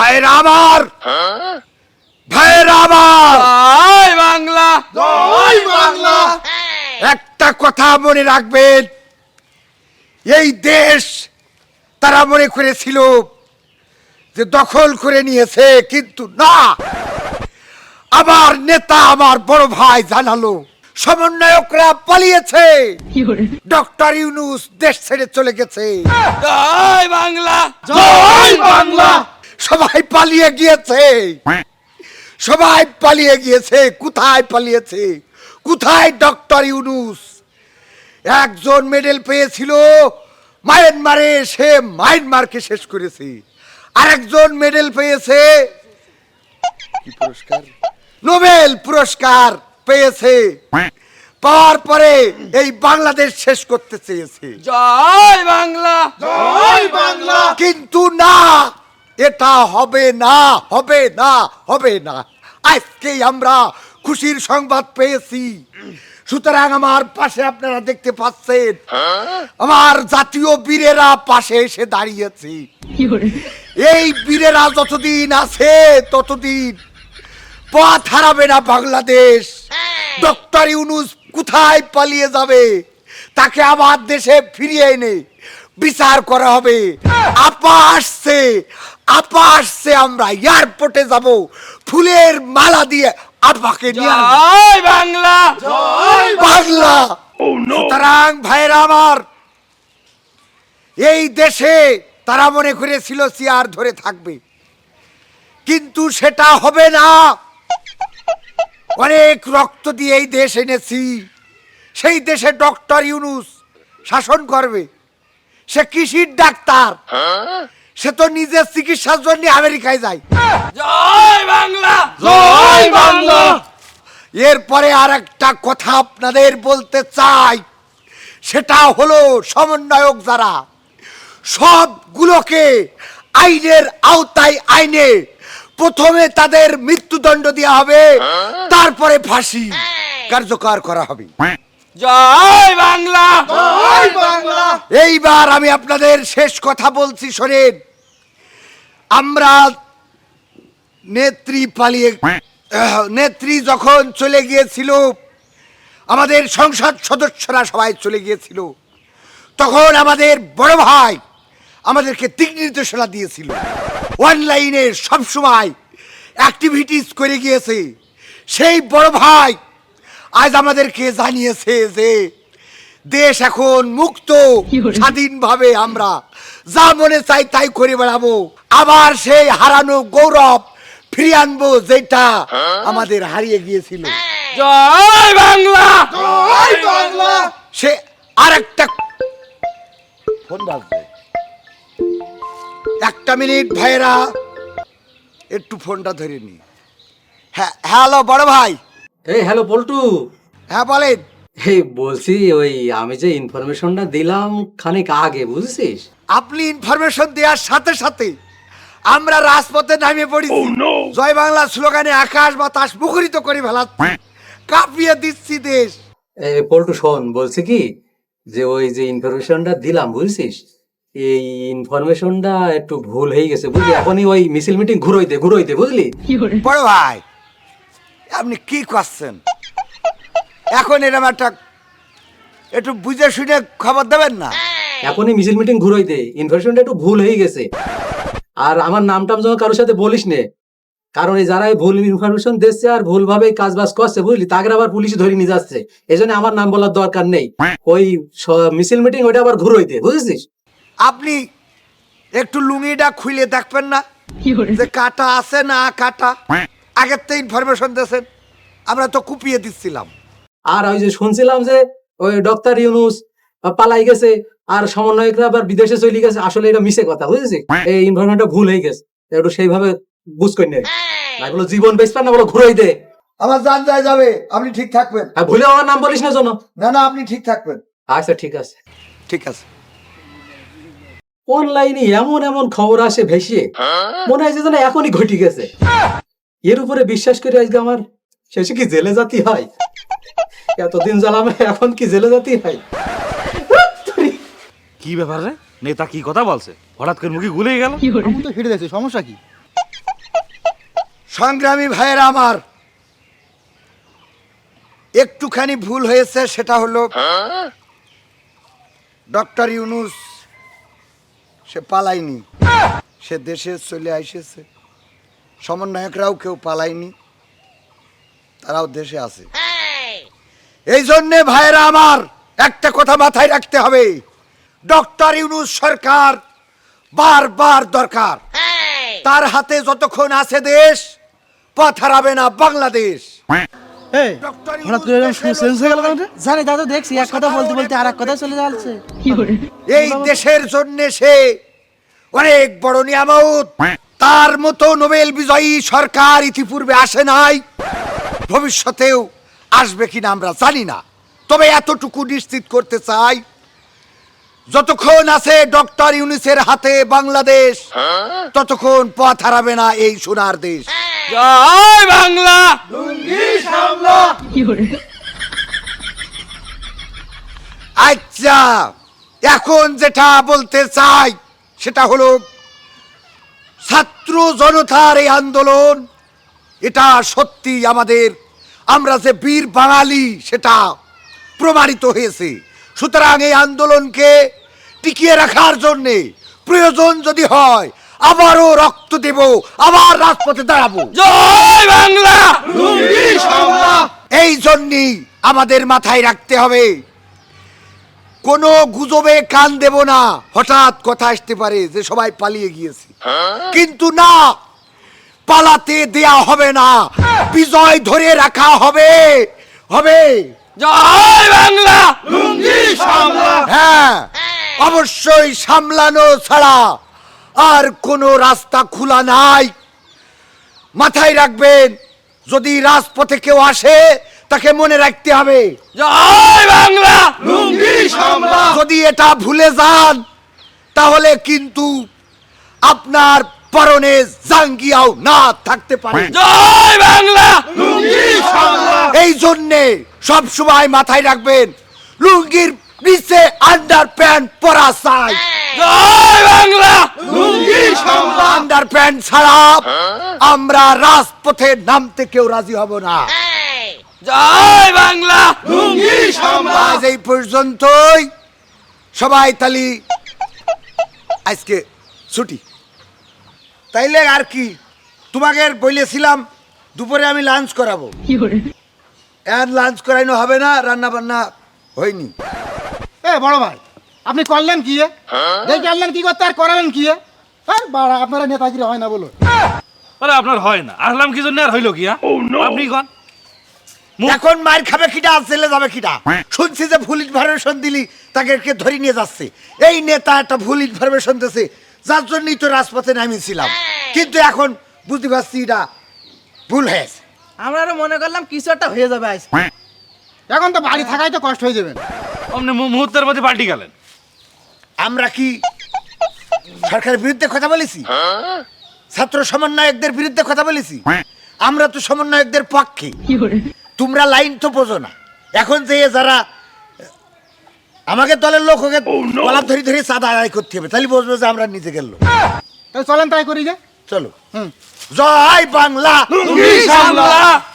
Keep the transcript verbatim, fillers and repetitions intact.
ভাইরা আমার, ভাইরা আমার, জয় বাংলা, জয় বাংলা। একটা কথা মনে রাখবেন, এই দেশ তারা মনে করেছিল যে দখল করে নিয়েছে, কিন্তু না। আমার নেতা, আমার বড় ভাই জানালো সমন্বয়করা পালিয়েছে, ডক্টর ইউনূস দেশ ছেড়ে চলে গেছে। জয় বাংলা, জয় বাংলা। সবাই পালিয়ে গিয়েছে, সবাই পালিয়ে গিয়েছে। কোথায় পালিয়েছে? কোথায় ডক্টর ইউনূস? একজন মেডেল পেয়েছিল মায়ানমারে, সে মায়ানমারকে শেষ করেছে। আরেকজন মেডেল পেয়েছে, কি পুরস্কার? নোবেল পুরস্কার পেয়েছে। পাওয়ার পরে এই বাংলাদেশ শেষ করতে চেয়েছে। জয় বাংলা, জয় বাংলা। কিন্তু না, এটা হবে না, হবে না, হবে না। আজকেই আমরা খুশির সংবাদ পেয়েছি। সুতরাং আমার পাশে আপনারা দেখতে পাচ্ছেন, আমার জাতীয় বীরেরা পাশে এসে দাঁড়িয়েছে। এই বীরেরা যতদিন আছে ততদিন পথ হারাবে না বাংলাদেশ। ডক্টর ইউনূস কোথায় পালিয়ে যাবে? তাকে আমার দেশে ফিরিয়ে এনে বিচার করা হবে। আপা আসছে, আপা আসছে, আমরা এয়ারপোর্টে যাব, ফুলের মালা দিয়ে আপাকে নিয়ে আসবো। জয় বাংলা, জয় বাংলা। সুতরাং ভাইরা আমার, এই দেশে তারা মনে করেছিল চেয়ার ধরে থাকবে, কিন্তু সেটা হবে না। অনেক রক্ত দিয়ে এই দেশ এনেছি। সেই দেশে ডক্টর ইউনূস শাসন করবে। সে কৃষির ডাক্তার, সে তো নিজের চিকিৎসার জন্য আমেরিকায় যায়। জয় বাংলা, জয় বাংলা। এরপরে আর একটা কথা আপনাদের বলতে চাই, সেটা হলো সমন্বয়ক যারা, সবগুলোকে আইনের আওতায় আইনে প্রথমে তাদের মৃত্যুদণ্ড দেওয়া হবে, তারপরে ফাঁসি কার্যকর করা হবে। জয় বাংলা, জয় বাংলা। এইবার আমি আপনাদের শেষ কথা বলছি, শোনেন। আমরা নেত্রী পালিয়ে, আহ, নেত্রী যখন চলে গিয়েছিল, আমাদের সংসদ সদস্যরা সবাই চলে গিয়েছিল, তখন আমাদের বড় ভাই আমাদেরকে দিক নির্দেশনা দিয়েছিল। অনলাইনে সবসময় অ্যাক্টিভিটিস করে গিয়েছে। সেই বড় ভাই আজ আমাদেরকে জানিয়েছে যে দেশ এখন মুক্ত, স্বাধীনভাবে আমরা যা মনে চাই তাই করে বেড়াবো। আবার সেই হারানো গৌরব ফিরিয়ে আনবো, যেটা আমাদের হারিয়ে গিয়েছিল। জয় বাংলা, জয় বাংলা। সে আরেকটা ফোন বাজবে, একটা মিনিট ভাইরা, একটু ফোনটা ধরে নি। হ্যাঁ, হ্যালো বড় ভাই। এই হ্যালো পল্টু, হ্যাঁ বলেন। এই বলছি ওই আমি যে ইনফরমেশনটা দিলাম খানিক আগে, বুঝছিস? আপনি ইনফরমেশন দেওয়ার সাথে সাথে আমরা রাজপথে নামিয়ে পড়েছি। জয় বাংলা স্লোগানে আকাশ বাতাস মুখরিত করে ফেলাচ্ছি, কাঁপিয়ে দিচ্ছি দেশ। এই পল্টু শোন, বলছি কি যে ওই যে ইনফরমেশনটা দিলাম, বুঝছিস, এই ইনফরমেশনটা একটু ভুল হয়ে গেছে, বুঝলি? এখনই ওই মিছিল মিটিং ঘুরোইতে ঘুরোইতে, বুঝলি? বড় ভাই, আপনি কি করছেন? এখন এরকম একটা একটু বুঝে শুনে খবর দেবেন না? এখনই মিছিল মিটিং ঘুরোইতে ইনফরমেশনটা একটু ভুল হয়ে গেছে। আর আমার নামটাম যেন কারোর সাথে বলিস নে, কারণ এই যারা ভুল ইনফরমেশন দিচ্ছে আর ভুল ভাবে কাজ বাজ করছে, বুঝলি, তাকে আবার পুলিশ ধরে নিয়ে যাচ্ছে। এই জন্য আমার নাম বলার দরকার নেই। ওই স- মিছিল মিটিং ওইটা আবার ঘুরোইতে, বুঝেছিস? আপনি একটু লুঙ্গিটা খুলে দেখবেন না যে কাটা আছে না কাটা? আগের তো ইনফরমেশন দিয়েছেন, আমরা তো কুপিয়ে দিচ্ছিলাম। আর ওই যে শুনছিলাম যে ওই ডক্টর ইউনূস পালাই গেছে আর সমন্বয়করা আবার বিদেশে চলে গেছে, আসলে এটা মিছে কথা, বুঝেছিস? এই ইনফরমেশনটা ভুল হয়ে গেছে, একটু সেইভাবে বুঝ করে নেই। এগুলো জীবন বেচবেন না, বলো ঘুরোইতে। আমার জান যায় যাবে, আপনি ঠিক থাকবেন। আর ভুলে আমার নাম বলিস না যেন। না না, আপনি ঠিক থাকবেন। আচ্ছা ঠিক আছে। ঠিক আছে। অনলাইনে এমন এমন খবর আসে ভেসে, মনে হয় যে যেন এখনই ঘটে গেছে। এর উপরে বিশ্বাস করে আজকে আমার শেষে কি জেলে জাতি হয়? এতদিন জ্বালামে এখন কি জেলে জাতি হয়? কি ব্যাপার রে? নেতা কি কথা বলছে? হঠাৎ করে মুখে গুলিয়ে গেল। আমি তো হেঁটে যাচ্ছি, সমস্যা কি? সংগ্রামী ভাইয়েরা আমার, একটুখানি ভুল হয়েছে, সেটা হলো ডক্টর ইউনূস সে পালায়নি, সে দেশে চলে এসেছে। সমন্বয়করাও কেউ পালায়নি, তারাও দেশে আছে। এই জন্যে ভাইয়েরা আমার, একটা কথা মাথায় রাখতে হবে, ডক্টর ইউনূস সরকার বারবার দরকার। তার হাতে যতক্ষণ আছে দেশ, পথ হারাবে না বাংলাদেশ। এই হঠাৎ করে এরকম শুনে চেঞ্জ হয়ে গেল কেন রে? জানি দাদা, দেখছি এক কথা বলতে বলতে আর এক কথা চলে যাচ্ছে। এই দেশের জন্য সে অনেক বড় নিয়ামত। তার মতো নোবেল বিজয়ী সরকার ইতিপূর্বে আসে নাই, ভবিষ্যতেও আসবে কিনা আমরা জানি না। তবে এতটুকু নিশ্চিত করতে চাই, যতক্ষণ আছে ডক্টর ইউনূসের হাতে বাংলাদেশ, ততক্ষণ পথ হারাবে না এই সোনার দেশ। জয় বাংলা। আচ্ছা, এখন যেটা বলতে চাই সেটা হলো, ছাত্র জনতার এই আন্দোলন, এটা সত্যি আমাদের, আমরা যে বীর বাঙালি সেটা প্রমাণিত হয়েছে। সুতরাং এই আন্দোলনকে টিকিয়ে রাখার জন্যে প্রয়োজন যদি হয়, আবারও রক্ত দেব, আবার রাজপথে দাঁড়াবো। জয় বাংলা। এই জন্যই আমাদের মাথায় রাখতে হবে, কোনো গুজবে কান দেব না। হঠাৎ কথা আসতে পারে যে সবাই পালিয়ে গিয়েছে, কিন্তু না, পালাতে দেয়া হবে না, বিজয় ধরে রাখা হবে হবে জয় বাংলা। হ্যাঁ, অবশ্যই সামলানো ছাড়া আর কোনো রাস্তা খোলা নাই। মাথায় রাখবেন, যদি রাজপথে কেউ আসে তাকে মনে রাখতে হবে জয় বাংলা। যদি এটা ভুলে যান তাহলে কিন্তু আপনার পরনে জাঙ্গিয়াও না থাকতে পারে। জয় বাংলা। এই জন্যে সব সময় মাথায় রাখবেন, লুঙ্গির নিচে আন্ডার প্যান্ট পরা চাই। জয় বাংলা। আন্ডার প্যান্ট ছাড়া আমরা রাজপথে নামতে কেউ রাজি হব না। জয় বাংলা। আজ এই পর্যন্তই, সবাই তালি আজকে ছুটি। তাইলে আর কি, তোমাকে বলেছিলাম দুপুরে আমি লাঞ্চ করাবো, আর লাঞ্চ করাইনো হবে না, রান্না বান্না হয়নি। এ বড় ভাই, আপনি করলেন কি এ? দেখে আনলেন কি করতে আর করালেন কি এ? হ্যাঁ, বাড়া, আপনারা নেতাগিরি হয় না বলো। আরে আপনার হয় না, আসলাম কি জন্য আর হইলো কি? হ্যাঁ? আপনি কোন এখন মার খাবে কিটা, জেলে যাবে কিটা? শুনছি যে ভুল ইনফরমেশন দিলি তাকে কে ধরে নিয়ে যাচ্ছে। এই নেতা একটা ভুল ইনফরমেশন দিয়েছে, যার জন্যই তো রাজপথে নামিয়েছিলাম, কিন্তু এখন বুঝতে পারছি এটা ভুল হয়েছে। আমরা আরো মনে করলাম কিছু একটা হয়ে যাবে আজ। এখন তো বাড়ি থাকাই তো কষ্ট হয়ে যাবেন। আপনি মু- মুহূর্তের মধ্যে পাল্টি গেলেন। আমরা কি সরকারের বিরুদ্ধে কথা বলেছি? ছাত্র সমন্বয়কদের বিরুদ্ধে কথা বলেছি? আমরা তো সমন্বয়কদের পক্ষে। তোমরা লাইন তো বোঝো না। এখন যে যারা আমাকে দলের লোক ওকে গলা ধরে ধরে চাঁদা আদায় করতে হবে, তাহলে বুঝবো যে আমরা নিজে গেল। তাই চলেন তাই করি যে। চলো, জয় বাংলা। বাংলা।